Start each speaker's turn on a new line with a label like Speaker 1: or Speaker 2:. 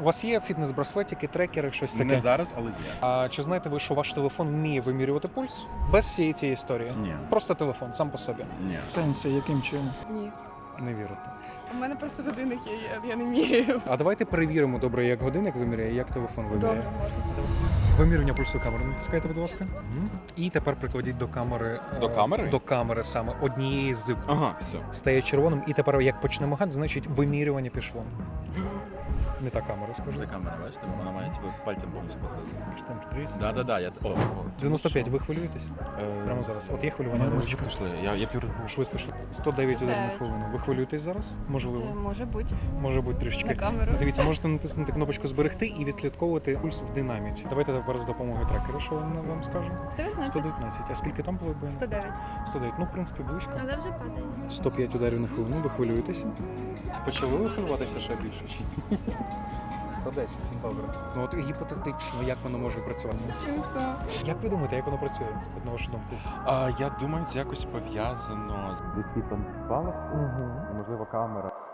Speaker 1: У вас є фітнес-браслетики, трекери, щось таке?
Speaker 2: Не зараз, але є.
Speaker 1: А чи знаєте ви, що ваш телефон вміє вимірювати пульс? Без всієї цієї історії?
Speaker 2: Ні.
Speaker 1: Просто телефон, сам по собі.
Speaker 2: Ні.
Speaker 3: В сенсі, яким чином?
Speaker 4: Ні.
Speaker 1: Не вірите.
Speaker 4: У мене просто годинник є, я не вмію.
Speaker 1: А давайте перевіримо добре, як годинник виміряє, як телефон виміряє.
Speaker 4: Добре, можна.
Speaker 1: Вимірювання пульсу камери натискайте, будь ласка. І тепер прикладіть до камери.
Speaker 2: До камери?
Speaker 1: До камери саме однієї з
Speaker 2: Ага, все.
Speaker 1: стає червоним. І тепер як почне мигати, значить вимірювання пішло. Не та камера,
Speaker 2: Де
Speaker 1: скажи.
Speaker 2: камера, бачите? Вона має тебе пальцем повністю походити.
Speaker 3: Там 30.
Speaker 2: Да, я... О.
Speaker 1: 95, ви хвилюєтесь? Прямо зараз. От є хвилювання невеличке.
Speaker 2: Пішли, я п'ю.
Speaker 1: Швидко. 109 ударів на
Speaker 4: 109.
Speaker 1: хвилину. Ви хвилюєтесь зараз? Можливо.
Speaker 4: Може бути.
Speaker 1: Може бути трішечки.
Speaker 4: На камеру.
Speaker 1: Дивіться, можете натиснути кнопочку зберегти і відслідковувати пульс в динаміці. Давайте тепер з допомогою трекера, що він вам скаже?
Speaker 4: 19.
Speaker 1: 119. А скільки там було б?
Speaker 4: 109.
Speaker 1: 109. Ну, в принципі, близько.
Speaker 5: Але вже падає.
Speaker 1: 105 ударів на хвилину, ви хвилюєтеся? Почали ви хвилюватися ще більше? Чи ні? 110, добре. Ну от гіпотетично, як воно може працювати?
Speaker 4: Не знаю.
Speaker 1: Як ви думаєте, як воно працює, от на вашу думку?
Speaker 2: Я думаю, це якось пов'язано з десь там спалах. Можливо, камера.